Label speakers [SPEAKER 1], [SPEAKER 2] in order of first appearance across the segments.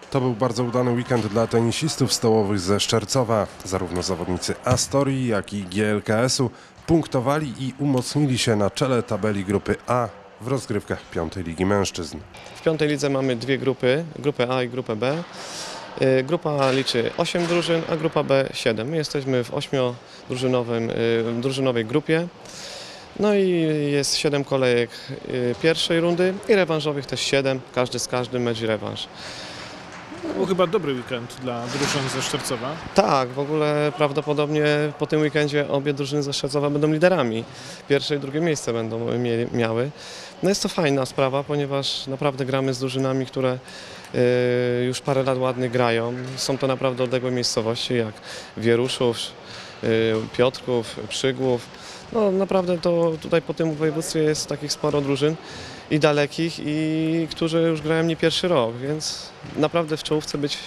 [SPEAKER 1] To był bardzo udany weekend dla tenisistów stołowych ze Szczercowa. Zarówno zawodnicy Astorii, jak i GLKS-u punktowali i umocnili się na czele tabeli grupy A w rozgrywkach 5. Ligi Mężczyzn.
[SPEAKER 2] W 5. lidze mamy dwie grupy, grupę A i grupę B. Grupa A liczy 8 drużyn, a grupa B 7. My jesteśmy w 8-drużynowej grupie. No i jest 7 kolejek pierwszej rundy i rewanżowych też 7, każdy z każdym mecz i rewanż.
[SPEAKER 3] To był chyba dobry weekend dla drużyn ze Szczercowa.
[SPEAKER 2] Tak, w ogóle prawdopodobnie po tym weekendzie obie drużyny ze Szczercowa będą liderami. Pierwsze i drugie miejsce będą miały. No jest to fajna sprawa, ponieważ naprawdę gramy z drużynami, które już parę lat ładnie grają. Są to naprawdę odległe miejscowości jak Wieruszów, Piotrków, Przygłów. No naprawdę to tutaj po tym województwie jest takich sporo drużyn i dalekich, i którzy już grają nie pierwszy rok, więc naprawdę w czołówce być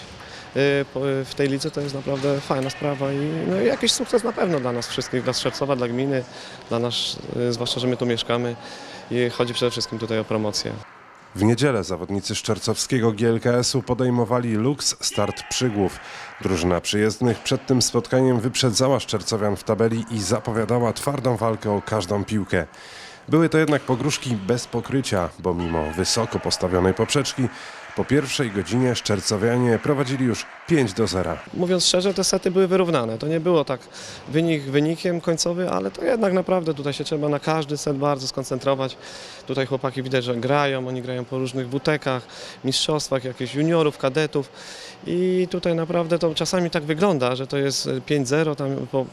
[SPEAKER 2] w tej lidze to jest naprawdę fajna sprawa i no, jakiś sukces na pewno dla nas wszystkich, dla Szczercowa, dla gminy, dla nas, zwłaszcza, że my tu mieszkamy i chodzi przede wszystkim tutaj o promocję.
[SPEAKER 1] W niedzielę zawodnicy szczercowskiego GLKS-u podejmowali Lux Start Przygłów. Drużyna przyjezdnych przed tym spotkaniem wyprzedzała szczercowian w tabeli i zapowiadała twardą walkę o każdą piłkę. Były to jednak pogróżki bez pokrycia, bo mimo wysoko postawionej poprzeczki po pierwszej godzinie szczercowianie prowadzili już 5-0.
[SPEAKER 2] Mówiąc szczerze, te sety były wyrównane. To nie było tak wynikiem końcowy, ale to jednak naprawdę tutaj się trzeba na każdy set bardzo skoncentrować. Tutaj chłopaki widać, że grają, oni grają po różnych WTK-ach, mistrzostwach, jakichś juniorów, kadetów i tutaj naprawdę to czasami tak wygląda, że to jest 5-0 tam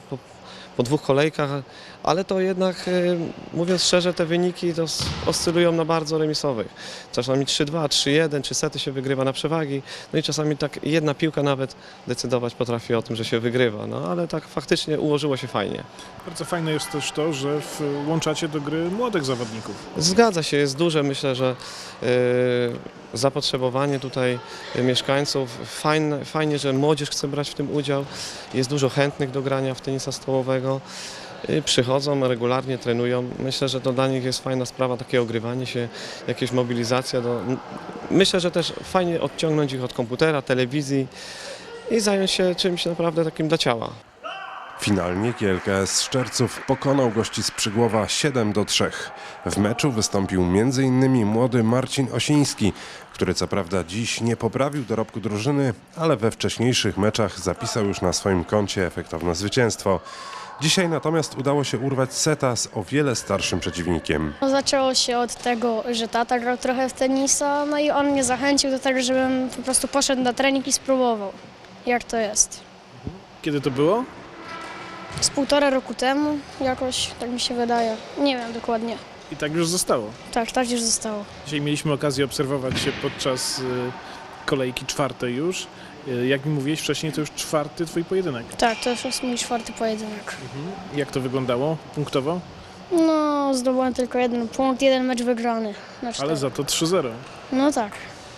[SPEAKER 2] po dwóch kolejkach, ale to jednak, mówiąc szczerze, te wyniki to oscylują na bardzo remisowych. Czasami 3-2, 3-1, 3 sety się wygrywa na przewagi, no i czasami tak jedna piłka nawet decydować potrafi o tym, że się wygrywa, no ale tak faktycznie ułożyło się fajnie.
[SPEAKER 3] Bardzo fajne jest też to, że włączacie do gry młodych zawodników.
[SPEAKER 2] Zgadza się, jest duże, myślę, że zapotrzebowanie tutaj mieszkańców. Fajnie, że młodzież chce brać w tym udział. Jest dużo chętnych do grania w tenisa stołowego. Przychodzą, regularnie trenują. Myślę, że to dla nich jest fajna sprawa, takie ogrywanie się, jakieś mobilizacja. Myślę, że też fajnie odciągnąć ich od komputera, telewizji i zająć się czymś naprawdę takim dla ciała.
[SPEAKER 1] Finalnie GLKS Szczerców pokonał gości z Przygłowa 7-3. W meczu wystąpił m.in. młody Marcin Osiński, który co prawda dziś nie poprawił dorobku drużyny, ale we wcześniejszych meczach zapisał już na swoim koncie efektowne zwycięstwo. Dzisiaj natomiast udało się urwać seta z o wiele starszym przeciwnikiem.
[SPEAKER 4] Zaczęło się od tego, że tata grał trochę w tenisa, no i on mnie zachęcił do tego, żebym po prostu poszedł na trening i spróbował, jak to jest.
[SPEAKER 3] Kiedy to było?
[SPEAKER 4] Z 1,5 roku temu jakoś, tak mi się wydaje. Nie wiem dokładnie.
[SPEAKER 3] I tak już zostało.
[SPEAKER 4] Tak już zostało.
[SPEAKER 3] Dzisiaj mieliśmy okazję obserwować się podczas kolejki 4. już. Jak mi mówiłeś wcześniej, to już 4. twój pojedynek.
[SPEAKER 4] Tak, to już jest mój 4. pojedynek.
[SPEAKER 3] Jak to wyglądało punktowo?
[SPEAKER 4] No, zdobyłem tylko 1 punkt, 1 mecz wygrany na 4.
[SPEAKER 3] Ale za to 3-0.
[SPEAKER 4] No tak.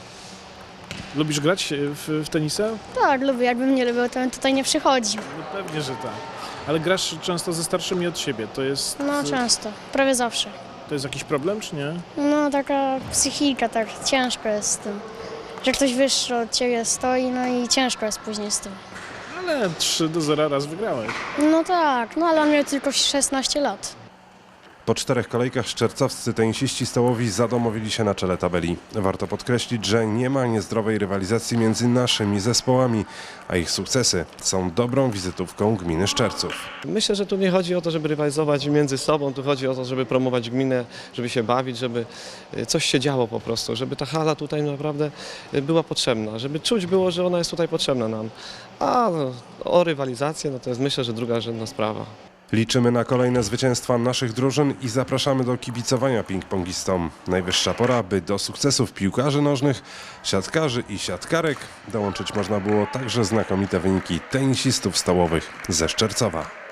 [SPEAKER 3] Lubisz grać w tenisa?
[SPEAKER 4] Tak, lubię. Jakbym nie lubił, to bym tutaj nie przychodził.
[SPEAKER 3] No pewnie, że tak. Ale grasz często ze starszymi od siebie. To jest,
[SPEAKER 4] No często, prawie zawsze.
[SPEAKER 3] to jest jakiś problem, czy nie?
[SPEAKER 4] No taka psychika, tak ciężko jest z tym. Że ktoś wyższy od ciebie stoi, no i ciężko jest później z tym.
[SPEAKER 3] Ale 3-0 raz wygrałeś.
[SPEAKER 4] No tak, no ale on miał tylko 16 lat.
[SPEAKER 1] Po 4 kolejkach szczercowscy tenisiści stołowi zadomowili się na czele tabeli. Warto podkreślić, że nie ma niezdrowej rywalizacji między naszymi zespołami, a ich sukcesy są dobrą wizytówką gminy Szczerców.
[SPEAKER 2] Myślę, że tu nie chodzi o to, żeby rywalizować między sobą, tu chodzi o to, żeby promować gminę, żeby się bawić, żeby coś się działo po prostu, żeby ta hala tutaj naprawdę była potrzebna, żeby czuć było, że ona jest tutaj potrzebna nam. A o rywalizację, no to jest myślę, że drugorzędna sprawa.
[SPEAKER 1] Liczymy na kolejne zwycięstwa naszych drużyn i zapraszamy do kibicowania ping-pongistom. Najwyższa pora, by do sukcesów piłkarzy nożnych, siatkarzy i siatkarek dołączyć można było także znakomite wyniki tenisistów stołowych ze Szczercowa.